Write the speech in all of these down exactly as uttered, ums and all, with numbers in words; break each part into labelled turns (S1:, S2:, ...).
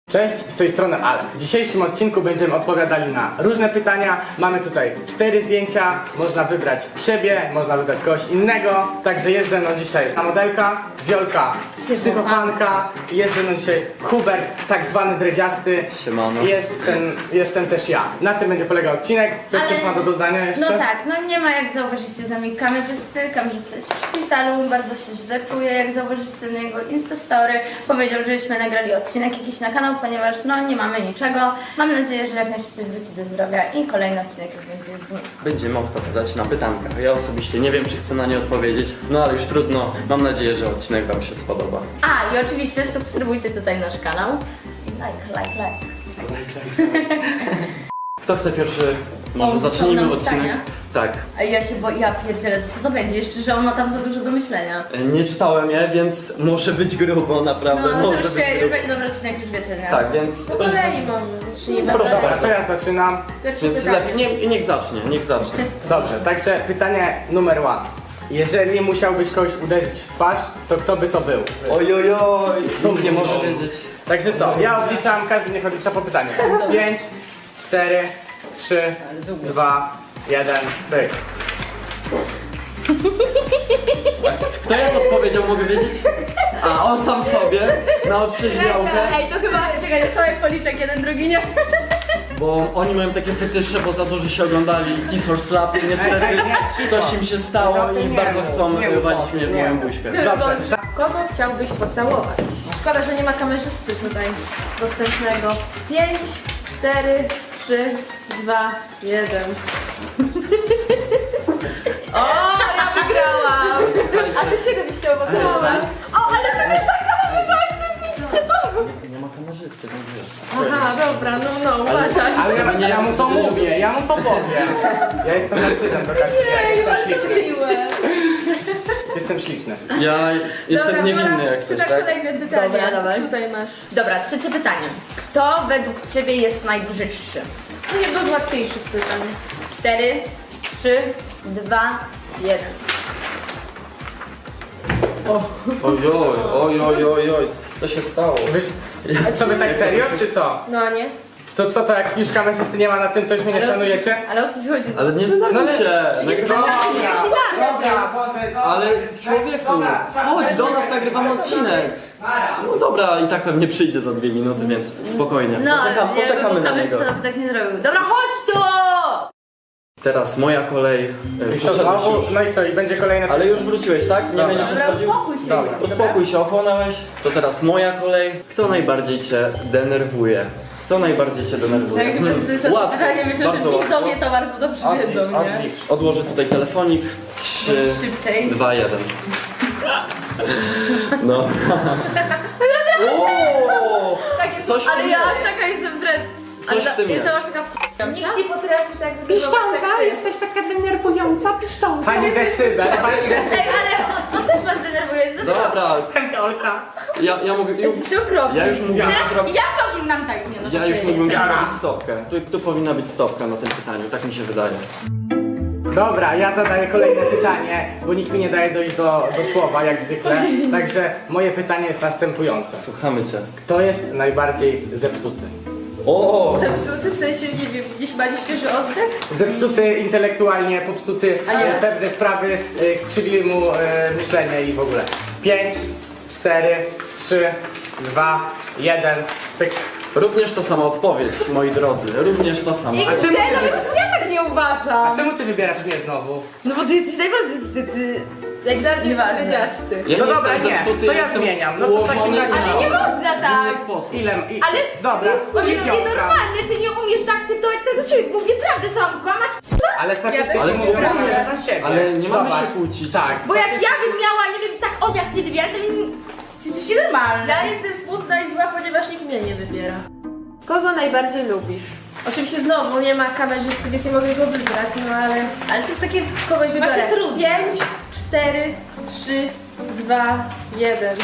S1: Cześć, z tej strony Alex. W dzisiejszym odcinku będziemy odpowiadali na różne pytania. Mamy tutaj cztery zdjęcia, można wybrać siebie, można wybrać kogoś innego. Także jest ze mną dzisiaj modelka, Wiolka, psychofanka, jest ze mną dzisiaj Hubert, tak zwany dredziasty.
S2: Siemano.
S1: Jest ten, jestem też ja. Na tym będzie polegał odcinek. Ktoś
S3: Ale-
S1: coś ma do dodania jeszcze?
S3: No tak, no nie ma jak zauważycie za mnie kamerzysty. Kamerzysta jest w szpitalu, bardzo się źle czuje. Jak zauważycie na jego Instastory, powiedział, żeśmy nagrali odcinek jakiś na kanał, ponieważ no nie mamy niczego. Mam nadzieję, że jak najszybciej wróci do zdrowia i kolejny odcinek już będzie z nim.
S2: Będziemy odpowiadać na pytanka. Ja osobiście nie wiem, czy chcę na nie odpowiedzieć, no ale już trudno. Mam nadzieję, że odcinek wam się spodoba.
S3: A i oczywiście subskrybujcie tutaj nasz kanał. I like, like, like.
S2: Kto chce pierwszy? Może
S3: On
S2: zacznijmy
S3: nam
S2: odcinek.
S3: pytania?
S2: Tak.
S3: A ja się bo ja pierdzielę, co to będzie? Jeszcze, że on ma tam za dużo do myślenia.
S2: E, Nie czytałem je, więc może być grubo, naprawdę.
S3: No to
S2: może
S3: już
S2: być
S3: się, już
S2: grubo.
S3: będzie dobry odcinek, już wiecie, nie?
S2: Tak, więc.
S4: Po kolei może. Zacznijmy.
S2: Proszę
S1: Dobra,
S2: bardzo.
S1: to ja zaczynam.
S4: Pierwsze
S2: Więc
S4: pytanie.
S2: lepiej, nie, niech zacznie, niech zacznie.
S1: Dobrze, także pytanie numer jeden. Jeżeli musiałbyś kogoś uderzyć w twarz, to kto by to był?
S2: Oj, oj, oj.
S1: Dumnie
S2: Nie
S1: może
S2: może wiedzieć.
S1: Także co, ja odliczam, każdy niech odlicza po pytaniu. pięć, cztery, trzy, dwa, jeden, pyk.
S2: Kto ja to odpowiedział, mogę wiedzieć? A, on sam sobie, na otrzeźwiałkę.
S3: Ej, to chyba, czekaj, to sobie policzek, jeden, drugi nie.
S2: Bo oni mają takie fetysze, bo za dużo się oglądali Kiss or Slap i niestety
S1: Ej, ej, nie, cicho.
S2: coś im się stało
S1: No to
S2: i
S1: nie
S2: bardzo
S1: mów,
S2: chcą
S1: nie mów,
S2: walić mnie w
S1: nie
S2: moją
S1: mów.
S2: buźkę.
S1: Dobrze.
S4: Kogo chciałbyś pocałować? Szkoda, że nie ma kamerzysty tutaj dostępnego. Pięć, cztery, trzy, dwa, jeden. O, ja wygrałam! A ty czego byś chciał pocałować? O, ale ty też tak samo wygrałaś, ty widzicie to?
S2: Nie ma kamerzysty, więc wiesz.
S4: Aha, dobra, no, no, uważaj.
S1: Ale ja,
S2: Nie,
S1: ja mu to
S2: nie, nie,
S1: mówię, ja mu to powiem. Ja jestem narcyzem do Kaśki, ja
S4: Ej,
S1: jestem
S4: bardzo
S1: śliczny.
S4: miłe.
S1: Jestem śliczny.
S2: Ja jestem
S4: Dobra,
S2: niewinny
S4: Mola,
S2: jak coś,
S4: czyta
S2: tak?
S4: kolejne pytanie.
S3: Dobra, dawaj.
S4: Tutaj masz.
S3: Dobra, trzecie pytanie. Kto według Ciebie jest najbrzydszy?
S4: To jedno z łatwiejszych pytań.
S3: Cztery, trzy, dwa, jeden.
S2: Oj, oj, oj, oj, oj, oj, co się stało?
S1: Wiesz, co wy tak serio, czy co?
S4: No a nie?
S1: To co, to jak już kamerzysty nie ma na tym, to już mnie nie
S3: Ale o co ci-
S1: szanujecie?
S3: Ale o co ci chodzi?
S2: Ale nie denerwuj
S1: ale-
S2: się!
S3: Jest
S2: Nagrywa...
S1: Dobra, Boże, dobra.
S2: Ale człowieku, chodź do nas, nagrywamy odcinek. No dobra, i tak pewnie przyjdzie za dwie minuty, więc spokojnie.
S3: No,
S2: Poczekam,
S3: nie,
S2: poczekamy
S3: bo
S2: na
S3: kamerzysta
S2: niego.
S3: nam tak nie zrobił. Dobra, chodź tu!
S2: Teraz moja kolej. E,
S1: I co,
S2: Poszedłeś
S1: znowu?
S2: już.
S1: No i co, i będzie kolejne
S2: Ale już wróciłeś, tak? Nie
S1: Dobra.
S2: będziesz
S3: Dobra,
S2: odchodził?
S3: uspokój się.
S1: Dobra.
S2: Uspokój się, ochłonąłeś. To teraz moja kolej. Kto najbardziej cię denerwuje? Kto najbardziej cię denerwuje?
S3: Tak,
S2: Hmm,
S3: to jest
S2: łatwo,
S3: pytanie, myślę, że
S2: bardzo łatwo.
S3: widzowie to bardzo dobrze
S1: Odlicz,
S3: wiedzą, nie?
S1: odlicz.
S2: Odłożę tutaj telefonik. Trzy,
S3: Szybciej.
S2: dwa, jeden. No. Ooo!
S4: Takie
S2: Coś w
S3: Ale
S2: tym
S3: ja
S2: jest.
S3: aż taka jestem wred...
S2: Coś w tym jest.
S3: Jestem aż taka w...
S4: Nikt nie potrafi tak wyglądać
S5: Piszcząca?
S4: jak ty.
S5: Jesteś taka denerwująca, piszcząca.
S1: Pani decybel, pani decybel.
S3: Ej, ale on, on też was denerwuje, dlaczego?
S2: Dobra,
S1: Olka.
S2: ja, ja mogę.
S3: Jesteście okropni.
S2: Ja już mógłbym
S3: Teraz
S2: zrobić.
S3: ja powinnam tak, nie no.
S2: Ja
S3: to
S2: już
S3: ty
S2: mógłbym
S3: jesteś.
S2: zrobić stopkę. Tu, tu powinna być stopka na tym pytaniu, tak mi się wydaje.
S1: Dobra, ja zadaję kolejne pytanie, bo nikt mi nie daje dojść do, do słowa, jak zwykle. Także moje pytanie jest następujące.
S2: Słuchamy cię.
S1: Kto jest najbardziej zepsuty?
S2: O!
S4: Zepsuty, w sensie, nie wiem, gdzieś mali świeży oddech?
S1: Zepsuty intelektualnie, popsuty
S3: A nie.
S1: e, pewne sprawy, e, skrzywiły mu e, myślenie i w ogóle. pięć, cztery, trzy, dwa, jeden, pyk.
S2: Również to sama odpowiedź, moi drodzy. Również to samo.
S3: I
S1: A czemu
S3: gdzie?
S1: ty-
S3: Nawet ja tak nie uważam.
S1: A czemu ty wybierasz mnie znowu?
S3: No bo ty jesteś najbardziej wstydny.
S4: Jak dla mnie
S3: Nieważne.
S4: powiedziasty.
S2: Ja
S1: No
S2: nie
S1: dobra,
S2: jestem
S1: nie,
S2: zepsuty,
S1: to ja
S2: jestem
S1: zmieniam. No to w takim
S2: ułożony
S1: razie-
S2: na
S3: Ale nie można tak.
S2: inny sposób.
S1: Ile? I,
S3: Ale
S1: dobra,
S3: ty, on jest
S1: dziewiątka.
S3: nienormalny, ty nie umiesz zaakceptować całego siebie. Mówię prawdę, co mam kłamać?
S1: Ale statystyki
S4: Ale
S1: mówią
S4: spokojnie.
S1: za siebie.
S2: Ale nie mamy
S1: Zobacz.
S2: się kłócić.
S1: Tak.
S3: Bo jak ja bym miała, nie wiem, tak od jak ty wybierać, to bym... Ty jesteś normalny.
S4: Ja jestem smutna i zła, ponieważ nikt mnie nie wybiera. Kogo najbardziej lubisz? Oczywiście znowu nie ma kamerzysty, więc nie mogę go wybrać, no ale...
S3: Ale to jest takie...
S4: Kogoś wybiorę.
S3: Właśnie trudne.
S4: Pięć, cztery, trzy, dwa, jeden.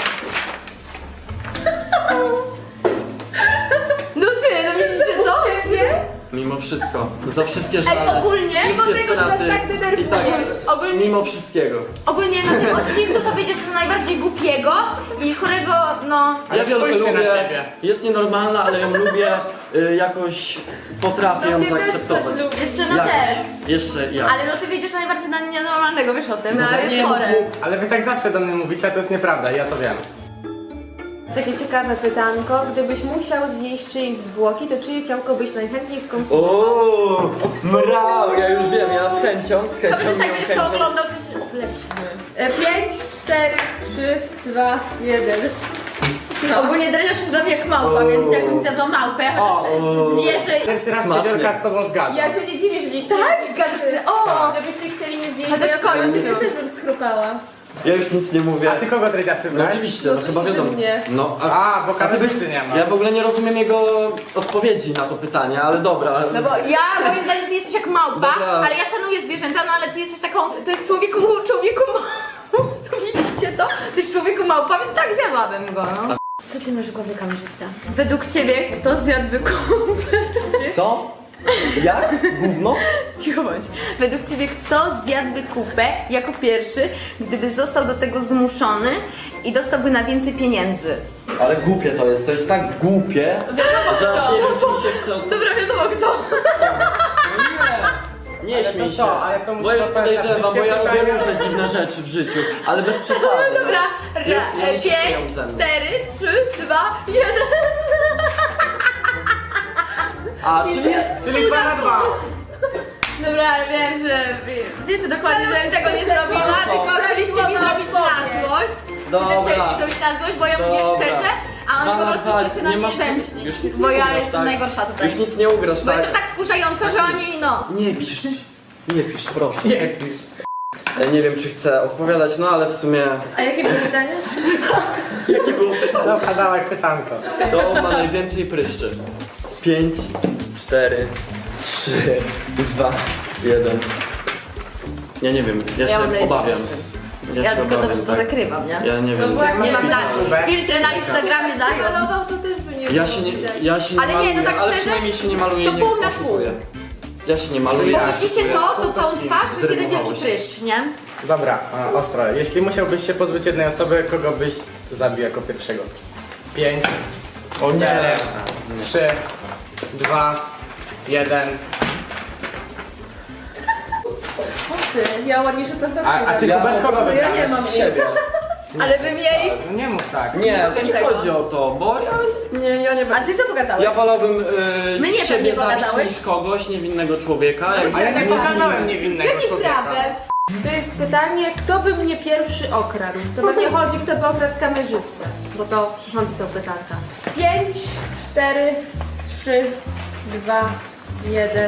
S3: No ty, no widzisz, że to?
S4: Świetnie.
S2: Mimo wszystko. Za wszystkie żale.
S3: ogólnie,
S2: wszystkie
S4: mimo tego, że nas
S2: straty
S4: tak denerwujesz.
S2: i tak,
S3: Ogólnie-
S2: mimo wszystkiego.
S3: Ogólnie na tym odcinku to wiedziesz na najbardziej głupiego i chorego, no...
S1: Ale
S2: Ja Wiolkę
S1: spójrzcie na
S2: lubię,
S1: siebie.
S2: jest nienormalna, ale ją lubię, y, jakoś potrafię ją
S4: Mnie też
S2: zaakceptować.
S4: ktoś lubi.
S3: Jeszcze no
S2: Jakoś.
S3: też.
S2: Jeszcze ja.
S3: Ale no ty wiedziesz najbardziej na nienormalnego, wiesz o tym,
S4: No,
S3: to
S4: ale
S3: jest
S2: nie,
S3: chore.
S1: Ale wy tak zawsze do mnie mówicie, a to jest nieprawda, ja to wiem.
S4: Takie ciekawe pytanko. Gdybyś musiał zjeść czyjeś zwłoki, to czyje ciałko byś najchętniej skonsumował?
S2: Ooo, mrał, ja już wiem, ja z chęcią, z
S3: To
S2: chęcią,
S3: przecież tak
S2: miłą
S3: będziesz to
S2: chęcią.
S3: oglądał, to jest obleśny.
S4: E, pięć, cztery, trzy, dwa, jeden.
S3: Ogólnie dredziarz się dla mnie jak małpa, więc jakbym zjadła małpę, chociaż
S2: O.
S3: zwierzę...
S1: Pierwszy raz się
S2: Smacznie.
S1: Wielka z tobą zgadza.
S4: Ja się nie dziwię, że nie chcieli.
S3: Tak? Zgadzasz się? O!
S4: Gdybyście chcieli mnie zjeść,
S3: Chociaż
S4: to ja
S3: koń
S4: sobie
S3: był.
S4: też bym schrupała.
S2: Ja już nic nie mówię.
S1: A ty kogo dredziasty
S2: No
S1: brałeś?
S2: oczywiście,
S4: No
S2: no chyba
S4: oczywiście,
S2: wiadomo.
S4: że mnie.
S2: No,
S1: A, bo
S2: ty
S1: kamerzysty
S2: byś-
S1: nie ma.
S2: Ja w ogóle nie rozumiem jego odpowiedzi na to pytanie, ale dobra.
S3: No bo ja moim zdaniem ty jesteś jak małpa,
S2: Dobra.
S3: ale ja szanuję zwierzęta, no ale ty jesteś taką, to jest człowieku, człowieku małpa. Widzicie to? To jest człowieku małpa, więc tak zjadłabym go, no. Co ty masz w głowie, kamerzysta? Według ciebie kto zjadł kupę?
S2: Co? Ja? Gówno?
S3: Cicho bądź. Według ciebie kto zjadłby kupę jako pierwszy, gdyby został do tego zmuszony i dostałby na więcej pieniędzy?
S2: Ale głupie to jest, to jest tak głupie, że aż nie wiem, czy mi się chce od...
S3: Dobra, wiadomo kto.
S2: Nie
S1: Ale to
S2: śmiej się,
S1: co? Ale to musi
S2: bo już
S1: odpowiadać na
S2: podejrzewam, bo ja
S1: wszystkie
S2: robię
S1: pytania.
S2: różne dziwne rzeczy w życiu, ale bez przesady. no.
S3: Dobra,
S2: Ja-
S3: ra,
S2: ja nie się śmieję
S3: pięć,
S2: ze mnie.
S3: cztery, trzy, dwa, jeden.
S2: A, czyli...
S1: Czyli dwa na dwa.
S3: Dobra, ale wiem, że wie- wiecie dokładnie, że bym tego nie zrobiła,
S2: No co?
S3: tylko chcieliście mi zrobić na złość. Wy
S2: Dobra.
S3: też chcieliście mi zrobić na złość, bo ja mówię
S2: Dobra.
S3: szczerze, a
S2: Dwa
S3: oni po
S2: na
S3: prostu
S2: dwa,
S3: chcą się na
S2: nie
S3: mnie
S2: masz-
S3: zemścić.
S2: już nic
S3: Bo
S2: nie
S3: ja
S2: ugrasz,
S3: jestem
S2: tak?
S3: najgorsza tutaj.
S2: Już nic nie ugrasz,
S3: Bo
S2: tak?
S3: jestem tak wkurzająca, że oni no...
S2: Nie pisz, nie pisz, proszę.
S1: Nie pisz.
S2: Ja nie wiem, czy chcę odpowiadać, no ale w sumie...
S4: A jakie było pytanie?
S2: Jakie było pytanie?
S1: Dobra, dawaj pytanko.
S2: Kto ma najwięcej pryszczy? Pięć, cztery, trzy, dwa, jeden. Ja nie wiem, ja się
S3: Ja mam najlepszy
S2: obawiam.
S3: Ja,
S2: się
S3: tylko
S2: obawiam,
S3: dobrze to
S2: tak.
S3: zakrywam, nie?
S2: Ja nie
S4: No
S2: wiem.
S4: właśnie.
S3: Nie mam
S1: Filtr
S3: tak.
S1: na
S3: Filtry na Instagramie dają.
S4: Malował to też by nie
S2: Ja
S4: było
S2: się nie,
S4: widać.
S2: ja się nie
S3: Ale nie,
S2: maluję,
S3: no tak
S2: ale
S3: szczerze,
S2: przynajmniej się nie maluję,
S3: to
S2: nie
S3: pół na
S2: oszukuję. Ja się nie maluję.
S1: Ja.
S3: Widzicie to, to całą twarz, to jest jeden wielki
S2: Zrymowało się.
S3: pryszcz, nie?
S1: Dobra, a, ostro. Jeśli musiałbyś się pozbyć jednej osoby, kogo byś zabił jako pierwszego? Pięć,
S2: O nie.
S1: cztery, trzy, dwa, jeden.
S4: Ty, ja ładniejsze
S1: A,
S4: paznokcie
S1: a ty
S4: zrobię.
S1: Hubert kogo
S4: No ja
S1: wybrałeś?
S4: nie mam jej.
S2: Siebie.
S3: Ale bym jej...
S1: No nie mów tak.
S2: Nie,
S3: Nie
S2: to nie
S3: tego.
S2: chodzi o to, bo ja nie, ja nie
S3: A ty co pokazałeś?
S2: Ja wolałbym yy,
S3: My nie,
S2: siebie
S3: pewnie
S2: zabić
S3: pogadałeś.
S2: niż kogoś, niewinnego człowieka. Jak
S1: A ja nie pokazałem niewinnego
S4: Jakim
S1: człowieka.
S4: prawem? To jest pytanie, kto by mnie pierwszy okradł? To pewnie chodzi, kto by okradł kamerzystę, bo to przyszłam pisał pytanka. Pięć, cztery, trzy, dwa, jeden.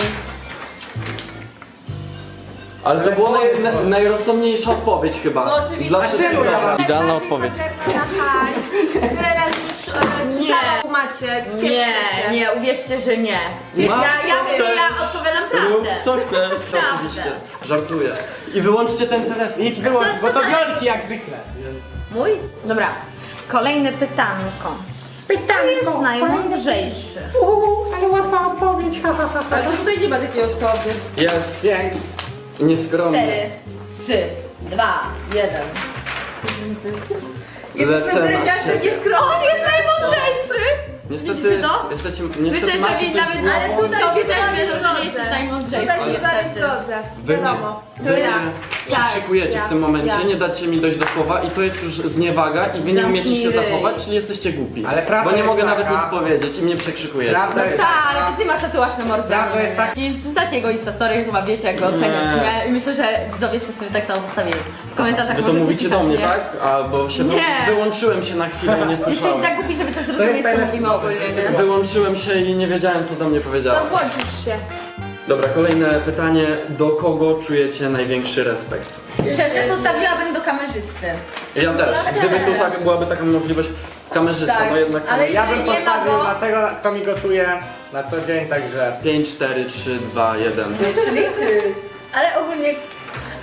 S2: Ale to była naj, na, najrozsądniejsza odpowiedź chyba.
S4: No oczywiście.
S2: Dla
S4: A
S2: wszystkich.
S1: czemu ja?
S2: Idealna odpowiedź.
S4: Na hajs. Tyle razy już e, czytałam macie. Cieszcie
S3: Nie,
S4: się.
S3: nie, uwierzcie, że nie. Ja,
S2: Masz
S3: ja,
S2: co
S3: mówię, ja
S2: chcesz.
S3: odpowiadam
S2: Rób
S3: prawdę.
S2: co chcesz,
S3: Prawdę.
S2: oczywiście. Żartuję. I wyłączcie ten telefon.
S1: Idź wyłącz,
S3: To
S1: bo to
S3: co
S1: Wiolki jak zwykle.
S3: Mój? Dobra. Kolejne pytanko. Kto jest najmądrzejszy?
S5: Uuu, ale łatwa odpowiedź, ha, ha, ha.
S4: Ale to tutaj nie ma takiej osoby.
S2: Jest.
S1: Pięć.
S2: Nieskromny.
S3: Cztery, trzy, dwa, jeden.
S4: Jesteśmy
S2: Lecę na
S4: dredziasty
S2: siebie.
S3: On jest najmądrzejszy!
S2: Niestety,
S3: Widzicie to?
S2: niestety,
S3: Myślę,
S2: niestety
S3: że
S2: macie
S3: wi-
S2: coś
S3: nawet
S2: z głową.
S4: Ale tutaj
S3: to
S4: się
S3: widzę,
S4: z wami
S3: że nie
S4: zgodzę.
S3: jesteś najmądrzejszy.
S4: Tutaj się z wami
S3: niestety.
S4: zgodzę.
S2: Wy mnie,
S4: Wiadomo.
S2: wy
S3: To
S2: mnie
S3: ja.
S2: przykrzykujecie
S4: Tak,
S2: w tym momencie,
S4: ja.
S2: nie dacie mi dojść do słowa i to jest już zniewaga i wy nie
S3: Zamknij
S2: umiecie się
S3: ryj.
S2: zachować, czyli jesteście głupi.
S1: Ale prawda
S2: Bo nie
S1: jest
S2: mogę
S1: taka-
S2: nawet nic powiedzieć i mnie przekrzykujecie.
S1: Prawda
S3: No
S1: jest
S3: tak,
S1: taka-
S3: ale to ty masz tatuaż na mordzie.
S1: Prawda jest tak-
S3: Ci znacie jego Instastory, chyba wiecie jak go oceniać,
S2: Nie.
S3: nie? I myślę, że widzowie wszyscy by tak samo postawili. W komentarzach
S2: Wy to
S3: możecie
S2: mówicie
S3: pisać,
S2: do mnie,
S3: nie?
S2: tak? Albo się wy,
S3: Nie.
S2: wyłączyłem się na chwilę i nie
S3: Jesteś
S2: słyszałem.
S3: za głupi, żeby to
S1: To jest
S3: zrozumieć, co
S1: najlepszy
S3: mówimy
S1: moment,
S3: ogólnie,
S1: żeby się
S3: nie?
S2: Wyłączyłem się i nie wiedziałem, co do mnie
S4: To
S2: powiedziała.
S4: włączysz się.
S2: Dobra, kolejne pytanie. Do kogo czujecie największy respekt?
S3: Szczerze postawiłabym do kamerzysty.
S2: Ja też.
S3: Ja
S2: Gdyby tu
S3: też.
S2: tak byłaby taka możliwość, kamerzysta,
S3: Tak,
S2: no jednak
S3: ale
S1: Ja
S3: Jeżeli
S1: bym
S3: nie ma
S1: postawił
S3: go-
S1: na tego, kto mi gotuje na co dzień, także...
S2: pięć, cztery, trzy, dwa, jeden.
S3: Jeszcze liczy. Ale ogólnie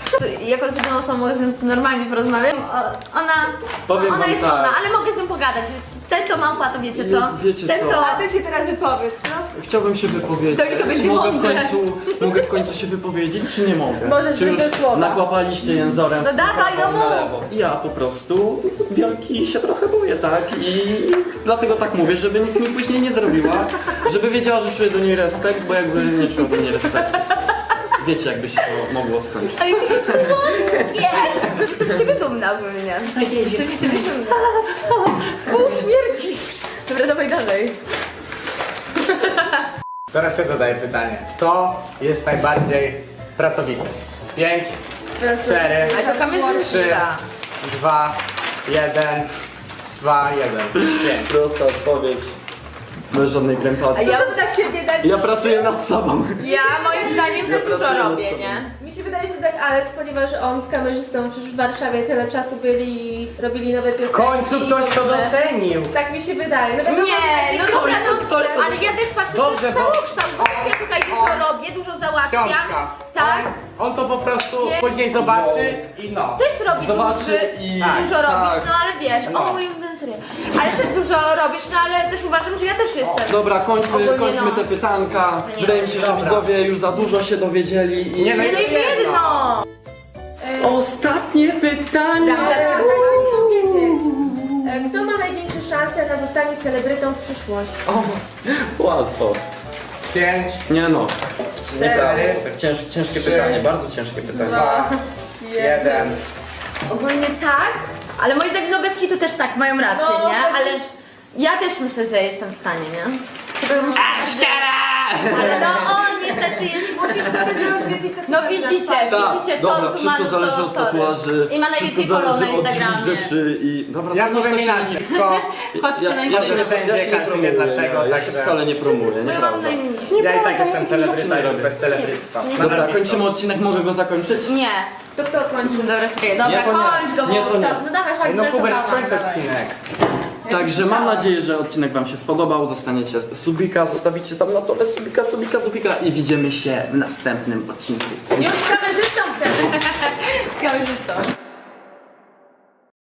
S3: Jako z jedną osobą mogę z nią normalnie porozmawiać. O, ona,
S2: Powiem
S3: ona
S2: wam
S3: jest
S2: tak.
S3: ona, ale mogę z nią pogadać. Ten to małpa, to wiecie co?
S2: Je- wiecie
S3: Ten
S2: co?
S3: to...
S4: A ty się teraz wypowiedz, no.
S2: Chciałbym się wypowiedzieć.
S3: To i to będzie
S2: mogę w
S3: mądre.
S2: końcu, mogę w końcu się wypowiedzieć, czy nie mogę?
S4: Możesz
S2: czy już
S4: wybrać słowa.
S2: nakłapaliście jęzorem
S3: No
S2: w
S3: dawaj,
S2: prawo,
S3: no
S2: na
S3: mów.
S2: lewo. Ja po prostu wielki się trochę boję, tak? I dlatego tak mówię, żeby nic mi później nie zrobiła, żeby wiedziała, że czuję do niej respekt, bo jakby nie czuła do niej respektu. Wiecie, jakby się to mogło skończyć.
S3: Ale nie! Jestem z siebie dumna ogólnie. Jestem z siebie dumna. Pół śmiercisz. Dobra, dawaj dalej.
S1: Teraz ja zadaję pytanie. Kto jest najbardziej pracowity? pięć, cztery,
S3: Ale to kamerzysta.
S1: trzy, dwa, jeden, dwa, jeden, pięć.
S2: Prosta odpowiedź. Bez żadnej
S3: A
S2: krępacji.
S3: ja,
S4: Co by na siebie dać?
S2: Ja pracuję nad sobą.
S3: ja moim zdaniem
S2: Ja
S3: za dużo
S2: pracuję nad
S3: robię,
S2: sobą.
S3: nie?
S4: Mi się wydaje, że tak Alex, ponieważ on z kamerzystą przecież w Warszawie tyle czasu byli i robili nowe
S1: W
S4: piosenki.
S1: końcu ktoś to
S4: nowe-
S1: docenił.
S4: Tak mi się wydaje. No wiadomo,
S3: Nie,
S4: że
S3: no dobra, no,
S2: ktoś to-
S3: ale ja też patrzę,
S1: Dobrze,
S3: to jest
S1: bo-
S3: całokształt, bo ja tutaj dużo robię, dużo załatwiam.
S1: Książka.
S3: Tak.
S1: On to po prostu
S3: Nie.
S1: później zobaczy i no.
S3: Też robi
S2: Zobaczy
S3: duży,
S2: i-
S1: Tak,
S3: dużo
S2: tak.
S3: robisz, no ale wiesz,
S1: No.
S3: o mój ulubiony serial. Ale też dużo robisz, no ale też uważam, że ja też jestem.
S2: Dobra, kończmy,
S3: Ogólnie
S2: kończmy
S3: no.
S2: te pytanka.
S3: Nie,
S2: Wydaje mi się, że
S1: dobra.
S2: widzowie już za dużo się dowiedzieli. I...
S1: Nie, no
S3: Nie, no jeszcze
S1: Jeszcze jedno.
S3: jedno!
S2: Ostatnie pytanie!
S4: Dobra, dajcie mi powiedzieć. E, Kto ma największe szanse na zostanie celebrytą w przyszłości?
S2: O, łatwo.
S1: pięć,
S2: Nie no. Nieprawda.
S1: Cztery.
S2: Tak cięż, ciężkie
S1: Trzy.
S2: pytanie, bardzo ciężkie pytanie.
S1: dwa, jeden.
S3: Ogólnie tak, ale moi zdaniem no bez kitu też tak, mają rację,
S4: No,
S3: nie?
S4: chociaż-
S3: Ale ja też myślę, że jestem w stanie, nie? Tylko muszę... Ale no on niestety jest...
S4: Musisz sobie zrobić więcej tatuaży
S3: No
S4: na
S3: widzicie,
S4: twarzy.
S2: Tak,
S3: widzicie co
S2: dobra,
S3: on tu
S2: wszystko
S3: ma,
S2: zależy
S3: to
S2: od
S3: sorry.
S2: tatuaży,
S3: I ma najwięcej
S2: wszystko
S3: follow na
S2: zależy od
S3: Instagramie.
S2: dziwnych rzeczy i... Dobra,
S1: Ja
S2: to nie
S1: powiem
S2: to się
S1: inaczej,
S2: nie-
S1: wszystko.
S3: Chodźcie
S2: Ja,
S3: na
S2: ja się nie,
S1: Wszędzie,
S2: ja się nie
S1: każdy wie
S2: promuję,
S1: dlaczego,
S2: ja, ja się
S1: także-
S2: wcale nie promuję,
S3: Bo ja mam
S2: nieprawda.
S3: najmniej.
S1: Ja i tak jestem
S2: nie
S1: celebryta już
S2: robię.
S1: bez celebryctwa.
S3: Nie,
S1: Na
S2: Dobra,
S1: nazwisko.
S2: kończymy odcinek, mogę go zakończyć?
S3: Nie.
S4: To kto kończy?
S3: Dobra, czekaj, dobra,
S2: Nie, to nie.
S3: kończ go, bo...
S2: Nie, to nie.
S3: No dawaj, chodź,
S1: No Hubert,
S3: żartowałam,
S1: skończ
S3: dawaj.
S1: odcinek.
S2: Także mam nadzieję, że odcinek wam się spodobał, zostaniecie subika, zostawicie tam na dole subika, subika, subika i widzimy się w następnym odcinku.
S4: Już z kamerzystą wtedy.
S3: Kamerzystą.